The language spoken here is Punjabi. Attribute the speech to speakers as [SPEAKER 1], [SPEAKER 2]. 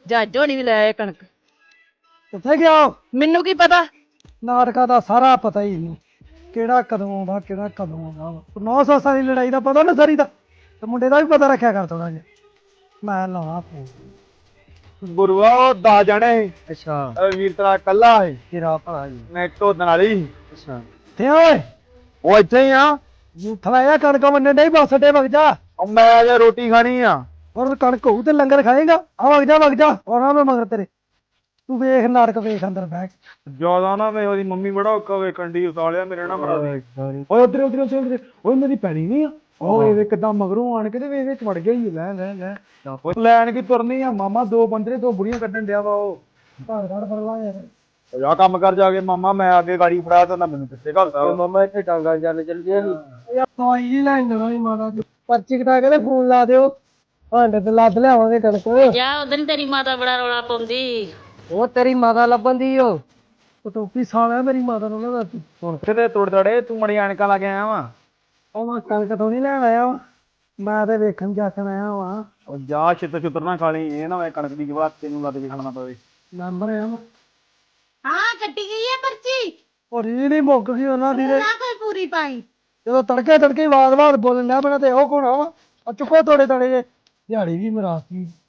[SPEAKER 1] ਜੱਜ ਹੋਣੀ ਵੀ ਲੈ ਆਏ ਕਣਕ।
[SPEAKER 2] ਕਿੱਥੇ ਗਿਆ?
[SPEAKER 1] ਮੈਨੂੰ ਕੀ ਪਤਾ।
[SPEAKER 2] ਨਾਟਕਾਂ ਦਾ ਸਾਰਾ ਪਤਾ ਹੀ ਨਹੀਂ, ਕਿਹੜਾ ਕਦੋਂ ਆਉਂਦਾ ਕਿਹੜਾ ਕਦੋਂ ਆਉਂਦਾ। 9 ਸੱਸਾਂ ਦੀ ਲੜਾਈ ਦਾ ਪਤਾ ਨਾ ਸਾਰੀ ਦਾ, ਤੇ ਮੁੰਡੇ ਦਾ ਵੀ ਪਤਾ ਰੱਖਿਆ ਕਰ ਥੋੜਾ ਜਿਹਾ। ਮੈਂ ਲਾਉਣਾ ਫੋਨ।
[SPEAKER 3] ਗੁਰੂਆ ਉਹ 10 ਜਣੇ
[SPEAKER 2] ਅੱਛਾ
[SPEAKER 3] ਵੀਰ ਤੇਰਾ ਕੱਲਾ ਹੈ
[SPEAKER 2] ਤੇਰਾ ਭਲਾ ਜੀ।
[SPEAKER 3] ਮੈਂ ਢੋਦਣ ਵਾਲੀ
[SPEAKER 2] ਅੱਛਾ ਤੇ ਓਏ
[SPEAKER 3] ਉਹ ਇੱਥੇ ਹੀ ਆ।
[SPEAKER 2] ਥਲਾਇਆ ਕਣਕ ਮੰਨੇ ਨਹੀਂ ਬੱਸ ਅੱਡੇ ਵਗ ਜਾ।
[SPEAKER 3] ਉਹ ਮੈਂ ਅਜੇ ਰੋਟੀ ਖਾਣੀ ਆ।
[SPEAKER 2] ਹੋਰ ਕਣਕ ਹੋਊ ਤੇ ਲੰਗਰ ਖਾਏਗਾ। ਆ ਵਗ ਜਾ ਆਉਣਾ ਮੈਂ ਮਗਰ ਤੇਰੇ। ਤੂੰ ਵੇਖ ਨਾਟਕ ਵੇਖ ਅੰਦਰ ਬੈਠ।
[SPEAKER 3] ਜਿਆਦਾ ਨਾ ਵੇ ਉਹਦੀ ਮੰਮੀ ਬੜਾ ਔਖਾ ਵੇਖਣ ਦੀ ਉਸਾਲਿਆ ਮੇਰੇ ਨਾਲ ਬੜਾ ਦੇ।
[SPEAKER 2] ਓਏ ਉਧਰ ਓਏ ਮੇਰੀ ਪੈਣੀ ਨਹੀਂ ਆ। ਉਹ ਇਹਦੇ ਕਿਦਾਂ ਮਗਰੋਂ ਆਣ ਕੇ ਤੇ ਵੇ ਵਿੱਚ ਵੜ ਗਿਆ ਹੀ। ਲੈ
[SPEAKER 3] ਉਹ ਲੈਣ ਕੀ ਤੁਰਨੀ ਆ ਮਾਮਾ, 2 ਬੰਦੇ 2 ਬੁੜੀਆਂ ਕੱਢਣ ਡਿਆ ਵਾ ਉਹ।
[SPEAKER 2] ਘਰ ਫੜ ਲਾ ਯਾਰ।
[SPEAKER 3] ਆ ਕੰਮ ਕਰ ਜਾ ਕੇ ਮਾਮਾ, ਮੈਂ ਅੱਗੇ ਗਾੜੀ ਫੜਾ ਤਾ ਨਾ ਮੈਨੂੰ ਕਿੱਥੇ ਘਲਦਾ।
[SPEAKER 2] ਮਾਮਾ ਇੱਥੇ ਟਾਂਗਾ ਚੱਲ ਗਿਆ ਸੀ। ਦਵਾਈ ਜੀ ਲੈਣ ਜਾਣਾ ਸੀ ਮਾਤਾ ਦੀ। ਪਰਚੀ ਕਟਾ ਕੇ ਤੇ ਫੋਨ ਲਾ ਦਿਓ। ਭਾਂਡੇ ਤੇ ਲੱਦ ਲਿਆਵਾਂਗੇ ਕਣਕ।
[SPEAKER 4] ਜਾ ਉਦੋਂ ਤੇਰੀ ਮਾਤਾ ਬੜਾ ਰੌਲਾ ਪਾਉਂਦੀ।
[SPEAKER 2] ਉਹ ਤੇਰੀ ਮਾਤਾ ਲੱਭਣ ਦੀ ਓ। ਉਹ ਟੋਪੀ ਸਾਲਿਆ ਮੇਰੀ ਮਾਤਾ ਨੂੰ ਨਾ ਦੱਸ।
[SPEAKER 3] ਹੁਣ ਕਿਤੇ ਤੋੜ ਤੜੇ ਤੂੰ ਮੜੀ ਐਨਕਾਂ ਲਾ ਕੇ ਆਇਆ ਵਾ।
[SPEAKER 2] ਉਹ ਮੈਂ ਕਣਕ ਤੋਂ ਨਹੀਂ ਲੈਣ ਆਇਆ ਵਾ, ਮੈਂ ਤੇ ਵੇਖਣ ਜਾਖਣ ਆਇਆ ਵਾ।
[SPEAKER 3] ਉਹ ਜਾ ਛਿੱਤਰ ਨਾ ਖਾ ਲਈ, ਇਹ ਨਾ ਹੋਏ ਕਣਕ ਦੀ ਜਵਾਬ ਤੈਨੂੰ ਲੱਦ ਕੇ ਖਾਣਾ ਪਵੇ।
[SPEAKER 2] ਮੈਂਬਰ ਆ ਵਾ।
[SPEAKER 4] ਹਾਂ ਕੱਟੀ ਗਈ ਹੈ ਪਰਚੀ।
[SPEAKER 2] ਉਹ ਰੀ ਨਹੀਂ ਮੁੱਕ ਗਈ ਉਹਨਾਂ ਦੀ ਤੇ।
[SPEAKER 4] ਨਾ ਕੋਈ ਪੂਰੀ ਪਾਈ।
[SPEAKER 2] ਜਦੋਂ ਤੜਕੇ ਵਾਰ ਬੋਲਣ ਡਿਆ ਪੈਣਾ ਤੇ ਉਹ ਕੋਣ ਆ ਵਾ। ਚੁੱਕੋ ਤੋੜੇ ਤੜੇ ਜੇ ਦਿਹਾੜੀ ਵੀ ਮਰਾਤੀ।